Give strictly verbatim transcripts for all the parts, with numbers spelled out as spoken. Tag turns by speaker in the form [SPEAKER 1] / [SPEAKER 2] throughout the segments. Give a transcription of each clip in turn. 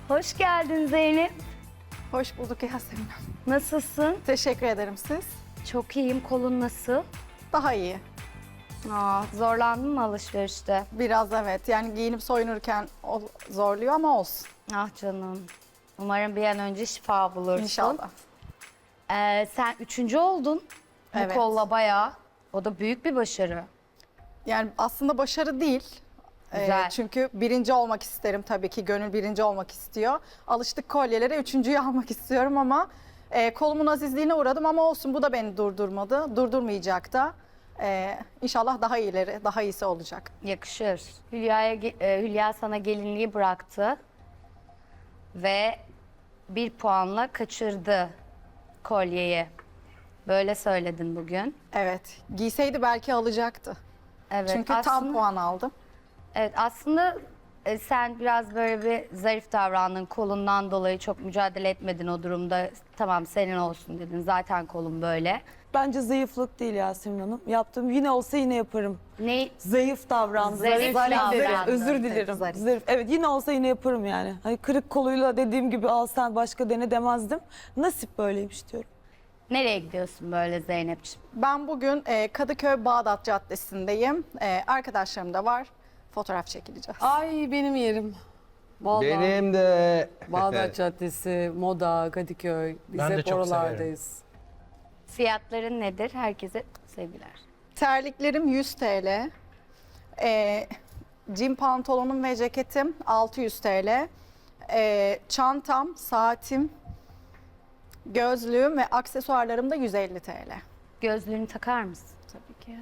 [SPEAKER 1] Hoş geldin Zeynep.
[SPEAKER 2] Hoş bulduk Yasemin.
[SPEAKER 1] Nasılsın?
[SPEAKER 2] Teşekkür ederim siz.
[SPEAKER 1] Çok iyiyim. Kolun nasıl?
[SPEAKER 2] Daha iyi.
[SPEAKER 1] Aa, zorlandın mı alışverişte?
[SPEAKER 2] Biraz evet. Yani giyinip soyunurken o zorluyor ama olsun.
[SPEAKER 1] Ah canım. Umarım bir an önce şifa bulursun.
[SPEAKER 2] İnşallah.
[SPEAKER 1] Ee, sen üçüncü oldun. Bu
[SPEAKER 2] Evet.
[SPEAKER 1] kolla bayağı. O da büyük bir başarı.
[SPEAKER 2] Yani aslında başarı değil. Ee,
[SPEAKER 1] Güzel.
[SPEAKER 2] çünkü birinci olmak isterim tabii ki. Gönül birinci olmak istiyor. Alıştık kolyelere. Üçüncüyü almak istiyorum ama e, kolumun azizliğine uğradım ama olsun, bu da beni durdurmadı. Durdurmayacak da. Ee, İnşallah daha iyileri, daha iyisi olacak.
[SPEAKER 1] Yakışır. Hülya'ya, ge- e, Hülya sana gelinliği bıraktı. Ve bir puanla kaçırdı kolyeyi. Böyle söyledin bugün.
[SPEAKER 2] Evet. Giyseydi belki alacaktı.
[SPEAKER 1] Evet,
[SPEAKER 2] Çünkü tam
[SPEAKER 1] aslında-
[SPEAKER 2] puan aldım.
[SPEAKER 1] Evet, aslında e, sen biraz böyle bir zarif davrandın. Kolundan dolayı çok mücadele etmedin o durumda. Tamam, senin olsun dedin. Zaten kolun böyle.
[SPEAKER 3] Bence zayıflık değil Yasemin Hanım. Yaptığım yine olsa yine yaparım.
[SPEAKER 1] Ne?
[SPEAKER 3] Zayıf davrandım.
[SPEAKER 1] Zarif davrandın.
[SPEAKER 3] Özür dilerim.
[SPEAKER 2] Zarif.
[SPEAKER 3] Zarif. Evet, yine olsa yine yaparım yani. Hani kırık koluyla dediğim gibi al sen başka dene demezdim. Nasip böyleymiş diyorum.
[SPEAKER 1] Nereye gidiyorsun böyle Zeynep'ciğim?
[SPEAKER 2] Ben bugün e, Kadıköy Bağdat Caddesi'ndeyim. E, arkadaşlarım da var. Fotoğraf çekileceğiz.
[SPEAKER 4] Ay benim yerim. Vallahi.
[SPEAKER 5] Benim de.
[SPEAKER 4] Bağdat Caddesi, Moda, Kadıköy. Biz
[SPEAKER 5] Ben de
[SPEAKER 4] hep
[SPEAKER 5] çok
[SPEAKER 4] oralardayız.
[SPEAKER 1] Fiyatların nedir? Herkese sevgiler.
[SPEAKER 2] Terliklerim yüz TL. E, Jean pantolonum ve ceketim altı yüz TL. E, çantam, saatim, gözlüğüm ve aksesuarlarım da yüz elli TL.
[SPEAKER 1] Gözlüğünü takar mısın?
[SPEAKER 2] Tabii ki.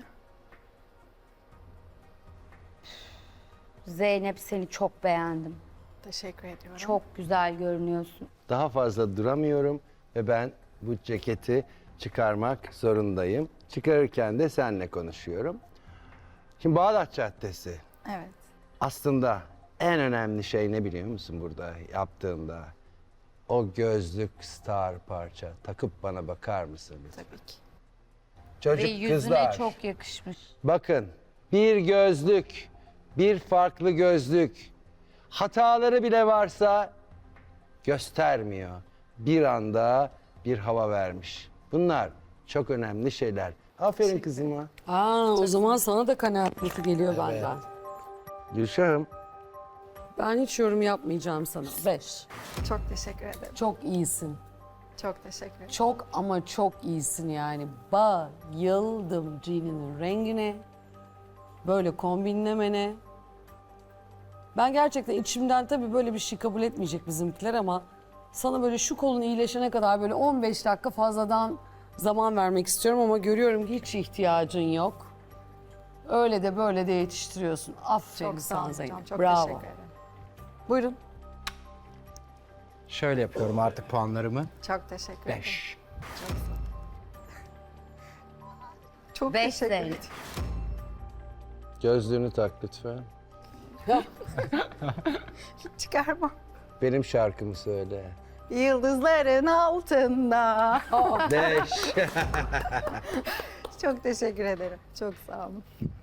[SPEAKER 1] Zeynep, seni çok beğendim.
[SPEAKER 2] Teşekkür ediyorum.
[SPEAKER 1] Çok güzel görünüyorsun.
[SPEAKER 5] Daha fazla duramıyorum ve ben bu ceketi çıkarmak zorundayım. Çıkarırken de seninle konuşuyorum. Şimdi Bağdat Caddesi
[SPEAKER 2] Evet.
[SPEAKER 5] aslında en önemli şey ne biliyor musun burada yaptığında? O gözlük star parça. Takıp bana bakar mısın lütfen?
[SPEAKER 2] Tabii ki.
[SPEAKER 5] Çocuk
[SPEAKER 1] Ve yüzüne
[SPEAKER 5] kızlar.
[SPEAKER 1] çok yakışmış.
[SPEAKER 5] Bakın, bir gözlük, bir farklı gözlük. Hataları bile varsa göstermiyor. Bir anda bir hava vermiş. Bunlar çok önemli şeyler. Aferin kızıma.
[SPEAKER 4] Aa, o zaman sana da kanaat notu geliyor benden.
[SPEAKER 5] Gülşah'ım,
[SPEAKER 4] Ben hiç yorum yapmayacağım sana. Beş.
[SPEAKER 2] Çok teşekkür ederim.
[SPEAKER 4] Çok iyisin.
[SPEAKER 2] Çok teşekkür ederim.
[SPEAKER 4] Çok ama çok iyisin yani. Bayıldım jeaninin rengine. Böyle kombinlemene. Ben gerçekten içimden tabii böyle bir şey kabul etmeyecek bizimkiler ama sana böyle şu kolun iyileşene kadar böyle on beş dakika fazladan zaman vermek istiyorum ama görüyorum ki hiç ihtiyacın yok. Öyle de böyle de yetiştiriyorsun. Aferin
[SPEAKER 2] Çok sağ
[SPEAKER 4] sana
[SPEAKER 2] olun
[SPEAKER 4] Zeynep.
[SPEAKER 2] hocam. Çok
[SPEAKER 4] Bravo.
[SPEAKER 2] teşekkür ederim.
[SPEAKER 4] Buyurun.
[SPEAKER 6] Şöyle yapıyorum artık puanlarımı.
[SPEAKER 2] Çok teşekkür ederim.
[SPEAKER 6] beş.
[SPEAKER 2] Çok sağ olun. Çok
[SPEAKER 1] Beş
[SPEAKER 2] teşekkür
[SPEAKER 1] Zeynep.
[SPEAKER 2] ederim.
[SPEAKER 5] gözlüğünü tak lütfen.
[SPEAKER 2] Hiç çıkarmam.
[SPEAKER 5] Benim şarkımı söyle.
[SPEAKER 2] Yıldızların altında.
[SPEAKER 5] Beş.
[SPEAKER 2] Çok teşekkür ederim. Çok sağ olun.